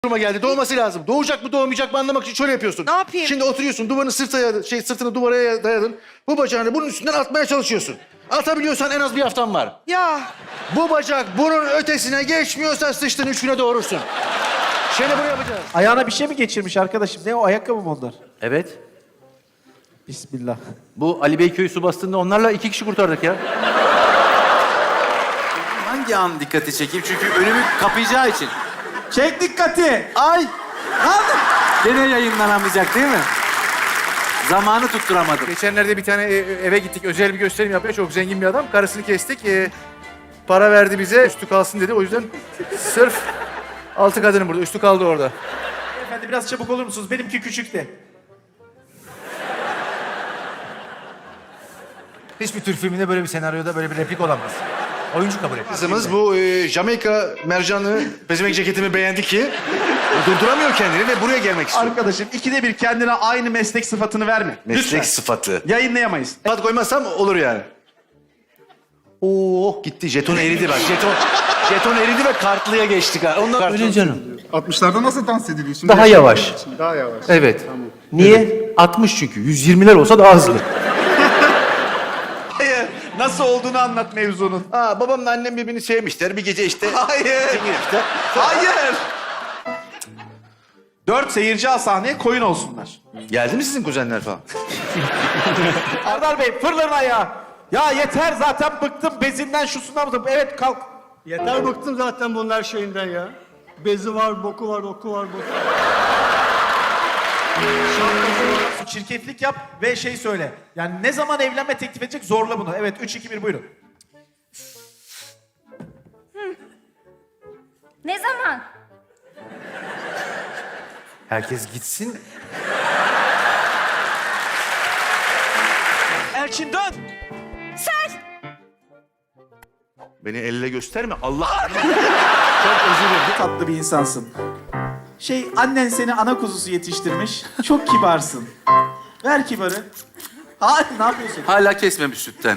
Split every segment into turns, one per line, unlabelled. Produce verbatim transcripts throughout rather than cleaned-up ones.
duruma geldi. Doğması lazım. Doğacak mı doğmayacak mı anlamak için şöyle yapıyorsun.
Ne yapayım?
Şimdi oturuyorsun duvarını sırtına, şey, sırtını duvara dayadın. Bu bacağını bunun üstünden atmaya çalışıyorsun. Atabiliyorsan en az bir haftan var.
Ya
Bu bacak bunun ötesine geçmiyorsa sıçtın üç güne doğurursun. Şimdi bunu yapacağız.
Ayağına bir şey mi geçirmiş arkadaşım? Ne o, ayakkabı mı onlar?
Evet.
Bismillah.
Bu Ali Beyköy su bastığında onlarla iki kişi kurtardık ya.
Hangi an dikkati çekeyim? Çünkü önümü kapayacağı için.
Çek dikkati.
Ay! Gene yayınlanamayacak değil mi? Zamanı tutturamadım.
Geçenlerde bir tane e, eve gittik. Özel bir gösterim yapıyor. Çok zengin bir adam. Karısını kestik. E, para verdi bize. Üstü kalsın dedi. O yüzden sırf altı kadının burada. Üstü kaldı orada.
Efendim biraz çabuk olur musunuz? Benimki küçük de.
Hiçbir Türk filminde böyle bir senaryoda böyle bir replik olamaz. Oyuncu kabul etmez.
Kızımız bu e, Jamaika mercanlı pezevenk ceketimi beğendi ki durduramıyor kendini ve buraya gelmek istiyor.
Arkadaşım ikide bir kendine aynı meslek sıfatını verme.
Meslek
Lütfen.
sıfatı.
Yayınlayamayız.
Sıfat koymazsam olur yani. Oo gitti. Jeton eridi bak. Jeton jeton eridi ve kartlıya geçtik ha. Ondan
Öyle canım.
altmışlarda nasıl dans ediliyor? Şimdi
Daha
yaşlı
yavaş.
olduğu için Daha yavaş.
Evet. Niye? altmış çünkü. yüz yirmiler olsa daha hızlı.
Hayır. Nasıl olduğunu anlat mevzunun.
Aa, babamla annem birbirini sevmişler. Bir gece işte.
Hayır.
işte.
Hayır. Dört seyirci al sahneye, koyun olsunlar.
Geldi mi sizin kuzenler falan?
Erdal Bey fırların ayağı. Ya yeter zaten bıktım bezinden şusundan bıktım. Evet kalk.
Yeter bıktım zaten bunlar şeyinden ya. Bezi var, boku var, oku var, boku var.
Çirkeflik yap ve şey söyle. Yani ne zaman evlenme teklif edecek zorla bunu. Evet üç iki bir buyurun.
Ne zaman?
Herkes gitsin.
Elçin dön.
Beni elle gösterme. Allah.
Çok özür dilerim. Tatlı bir insansın. Şey annen seni ana kuzusu yetiştirmiş. Çok kibarsın. Ver kibarı. Hayır ne yapıyorsun?
Hala kesmemiş sütten.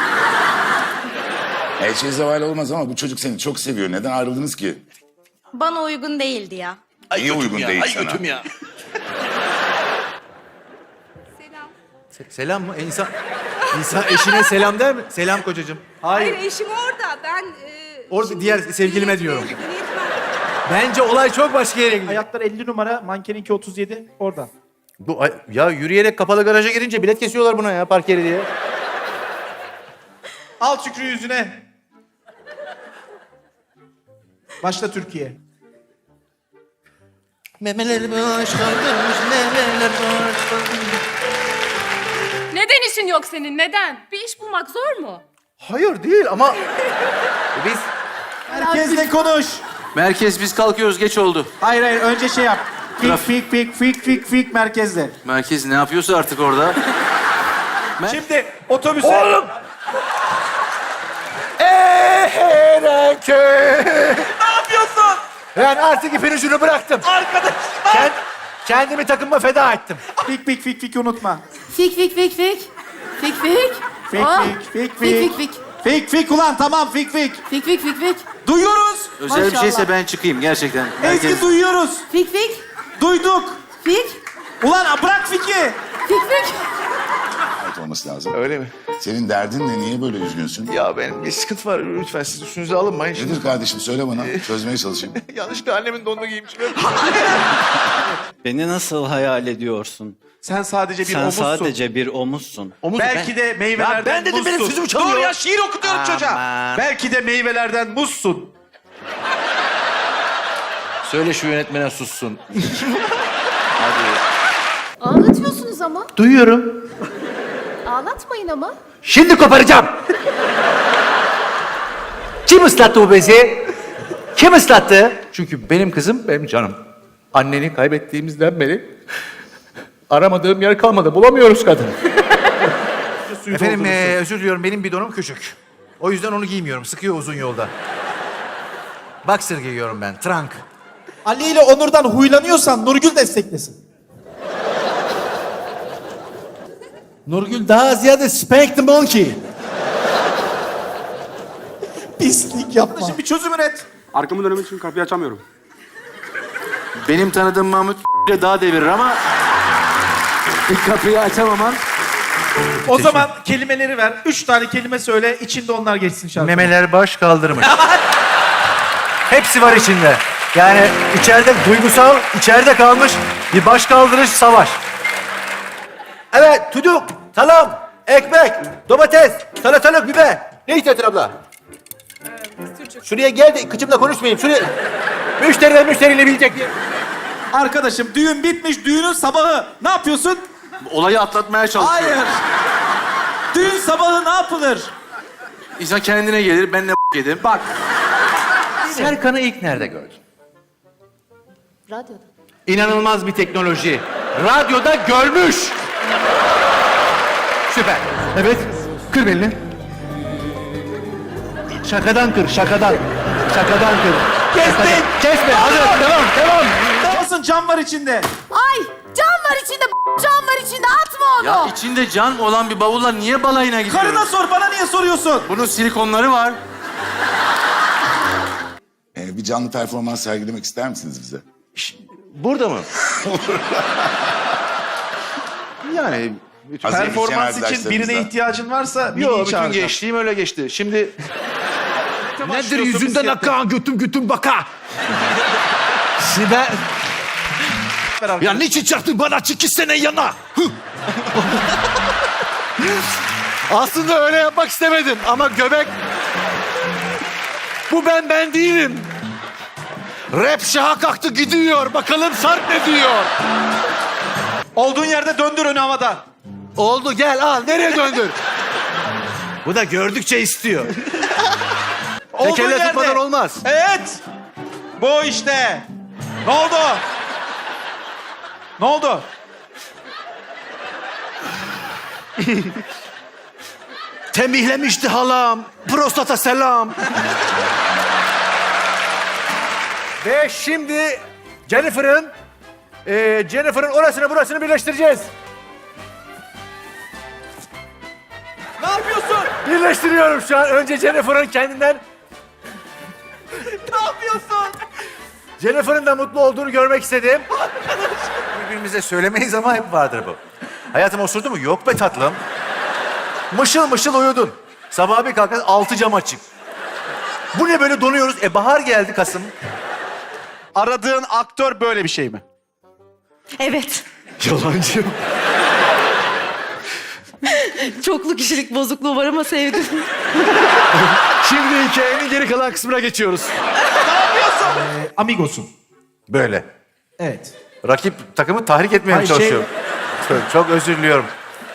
Her şey zeval olmaz ama bu çocuk seni çok seviyor. Neden ayrıldınız ki?
Bana uygun değildi ya.
Niye uygun değil sana?
ya.
Se- selam mı? E, insan, insan eşine selam der mi? Selam kocacığım.
hayır, eşim orada. Ben e,
Orada
şimdi
diğer sevgilime
niyet
diyorum.
ver- niyet ver.
Bence olay çok başka yere gidiyor.
Ayaklar elli numara, mankeninki otuz yedi orada.
Bu, ay- ya yürüyerek kapalı garaja girince bilet kesiyorlar buna ya park yeri diye.
Al Şükrü yüzüne. Başla Türkiye.
Memeler boş kalmış, memeler boş kalmış.
Neden işin yok senin? Neden? Bir iş bulmak zor mu?
Hayır değil ama
Biz
Herkesle konuş.
Merkez biz kalkıyoruz geç oldu.
Hayır hayır önce şey yap. Fik
Traf-
fik fik fik fik fik merkezle.
Merkez ne yapıyorsa artık orada.
Şimdi otobüse... Oğlum!
Eherenköy.
Ne yapıyorsun?
ben artık ipin ucunu bıraktım.
Arkadaşlar!
Kend, kendimi takıma feda ettim.
Fik fik fik fik unutma.
Fik fik fik fik. Fik fik.
Fik
Oh.
fik fik
Fik
fik.
fik fik.
Fik fik ulan tamam fik fik.
Fik fik fik fik.
Duyuyoruz.
Özel bir
Maşallah.
şeyse ben çıkayım gerçekten.
Ezgi
Merkez...
duyuyoruz.
Fik fik.
Duyduk.
Fik.
Ulan bırak fiki.
Fik fik.
Ait olması lazım.
Öyle mi?
Senin derdin ne? Niye böyle üzgünsün?
Ya benim bir sıkıntı var. Lütfen siz üstünüze alınmayın. Şimdi
Nedir kardeşim? Söyle bana. Çözmeye çalışayım.
yanlışlıkla annemin donunu giymişim.
Beni nasıl hayal ediyorsun?
Sen sadece bir
Sen
omuzsun.
sadece bir omuzsun.
Omuz
Belki de meyvelerden
Ya ben dedim,
muzsun.
benim sözümü çalıyor.
Dur ya şiir okutuyorum çocuğa.
Aman.
Belki de meyvelerden muzsun.
Söyle şu yönetmene sussun.
Ağlatıyorsunuz ama.
Duyuyorum.
Ağlatmayın ama.
Şimdi koparacağım. Kim ıslattı bu bezi? Kim ıslattı?
Çünkü benim kızım benim canım. Anneni kaybettiğimizden beri aramadığım yer kalmadı. Bulamıyoruz kadını.
Efendim eee, özür diliyorum benim bidonum küçük. O yüzden onu giymiyorum. Sıkıyor uzun yolda. Boxer giyiyorum ben. Trunk.
Ali ile Onur'dan huylanıyorsan Nurgül desteklesin.
Nurgül daha ziyade Spank the Monkey.
Pislik yapma. Şimdi bir çözüm üret.
Arkamı dönmek için kapıyı açamıyorum.
Benim tanıdığım Mahmut daha devirir ama ilk kapıyı açamaman.
O zaman kelimeleri ver. Üç tane kelime söyle, içinde onlar geçsin şarkı.
Memeler baş kaldırmış. Hepsi var içinde. Yani içeride duygusal, içeride kalmış bir baş kaldırış savaş. Evet, tuduk, salam, ekmek, domates, salatalık, biber. Ne istiyorsun abla? Şuraya gel de kıçımla konuşmayayım. Şuraya... Müşteriler müşteriyle bilecek diye.
Arkadaşım düğün bitmiş, düğünün sabahı. Ne yapıyorsun?
Olayı atlatmaya çalışıyor.
Hayır. Düğün sabahı ne yapılır?
İnsan kendine gelir, ben ne yedim.
Bak.
Serkan'ı ilk nerede gördün?
Radyoda.
İnanılmaz bir teknoloji. Radyoda görmüş. Süper. Evet. Kır belini. Şakadan kır, şakadan. Şakadan kır.
Kestin.
Kesme. Hadi devam, devam.
Olsun, cam var içinde.
Ay can var içinde, can var içinde, atma onu.
Ya içinde can olan bir bavulla niye balayına gidiyoruz?
Karına sor, bana niye soruyorsun?
Bunun silikonları var.
Ee, bir canlı performans sergilemek ister misiniz bize?
Burada mı? yani
Hazır
Performans
müzisyen
için birine
arkadaşlarımıza.
ihtiyacın varsa
Yok,
Mini'yi
bütün
çağıracağım.
gençliğim öyle geçti. Şimdi
Nedir yüzünden akan
götüm götüm baka. Şimdi ben... Ya niçin çarptın bana iki sene yana? Aslında öyle yapmak istemedim ama göbek... Bu ben ben değilim. Rap şaha kalktı gidiyor. Bakalım Sarp ne diyor?
Olduğun yerde döndür önü havada.
Oldu gel al. Nereye döndür? Bu da gördükçe istiyor.
Olduğun
Tekerle
yerde.
tutmadan olmaz.
Evet. Bu işte. Ne oldu? Ne oldu?
Tembihlemişti halam. Prostata selam. Ve şimdi Jennifer'ın e, Jennifer'ın orasını burasını birleştireceğiz.
Ne yapıyorsun?
Birleştiriyorum şu an. Önce Jennifer'ın kendinden...
Ne yapıyorsun?
Jennifer'ın da mutlu olduğunu görmek istedim. Birbirimize söylemeyiz ama hep vardır bu. Hayatım osurdu mu? Yok be tatlım. Mışıl mışıl uyudun. Sabah bir kalkan altı cam açık. Bu ne böyle donuyoruz? E bahar geldi Kasım.
Aradığın aktör böyle bir şey mi?
Evet.
Yalancı.
Çoklu kişilik bozukluğu var ama sevdim.
Şimdi hikayenin geri kalan kısmına geçiyoruz.
Amigos'un.
Böyle.
Evet.
Rakip takımı tahrik etmeye
Hayır, şey-
çalışıyorum. Çok, çok özür diliyorum.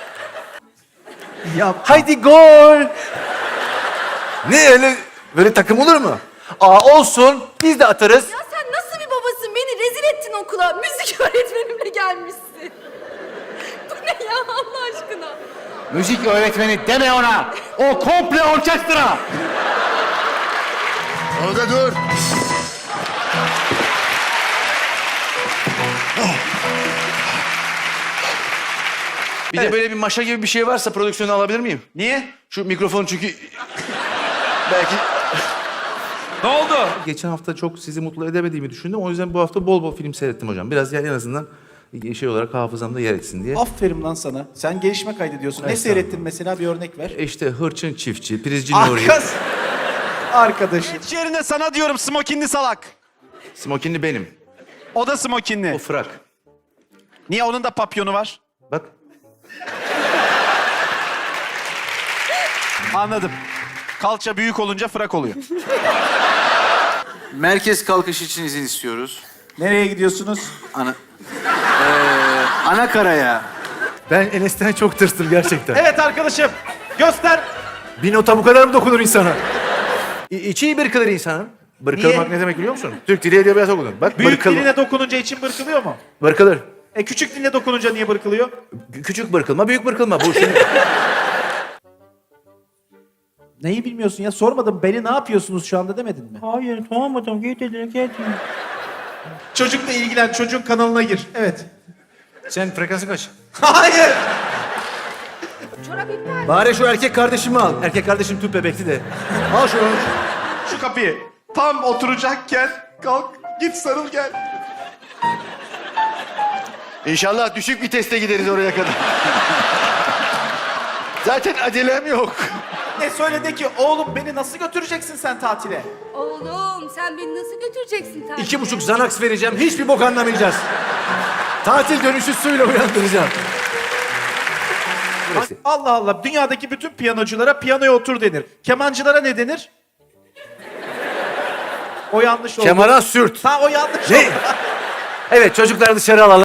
Ya
Haydi gol! Ne öyle böyle takım olur mu? Aa olsun biz de atarız.
Ya sen nasıl bir babasın? Beni rezil ettin okula. Müzik öğretmenimle gelmişsin. Bu ne ya Allah aşkına?
Müzik öğretmeni deme ona. O komple orkestra.
Orada dur.
Bir de böyle bir maşa gibi bir şey varsa prodüksiyonu alabilir miyim?
niye?
Şu mikrofon çünkü... Belki...
Ne oldu?
Geçen hafta çok sizi mutlu edemediğimi düşündüm. O yüzden bu hafta bol bol film seyrettim hocam. Biraz yani en azından şey olarak hafızamda yer etsin diye.
Aferin lan sana. Sen gelişme kaydediyorsun. Ne
Evet,
seyrettin mesela, bir örnek ver.
E İşte Hırçın Çiftçi, Prizci Nuri,
Arkas. Arkadaşım. Yerine sana diyorum smokinli salak.
Smokinli benim.
O da smokinli.
O frak.
Niye, onun da papyonu var?
Bak.
Anladım. Kalça büyük olunca frak oluyor.
Merkez kalkış için izin istiyoruz.
Nereye gidiyorsunuz?
Ana... Ee, Anakara'ya.
Ben Enes'ten çok tırstım gerçekten.
Evet arkadaşım. Göster.
Bir nota bu kadar mı dokunur insana? İ içi bırkılır insanın. Bırkılmak
Niye?
ne demek biliyor musun? Türk Dili Edebiyatı okudun. Bak
Büyük
bırkıl.
diline dokununca için bırkılıyor mu?
Bırkılır.
E küçük diline dokununca niye bırkılıyor?
Kü- Küçük bırkılma, büyük bırkılma. Bu şimdi...
Neyi bilmiyorsun ya? Sormadım. Beni ne yapıyorsunuz şu anda demedin mi?
Hayır tamam adam git dedi git.
Çocukla ilgilen. Çocuğun kanalına gir. Evet.
Sen frekansı kaç?
Hayır.
Çorap iptal.
Bari şu erkek kardeşimi al. Erkek kardeşim tüp bebekti de. Al şunu.
Şu kapıyı. Tam oturacakken kalk git sarıl gel.
İnşallah düşük viteste gideriz oraya kadar. Zaten acelem yok.
Ne söyle de ki oğlum beni nasıl götüreceksin sen tatile?
Oğlum sen beni nasıl götüreceksin tatile?
İki buçuk Xanax vereceğim. Hiçbir bok anlamayacağız. Tatil dönüşü suyla uyandıracağım. Burası.
Allah Allah, dünyadaki bütün piyanoculara piyanoya otur denir. Kemancılara ne denir? O yanlış oldu.
Kemana sürt.
Ha o yanlış
Ne?
oldu.
Evet, çocukları dışarı alalım.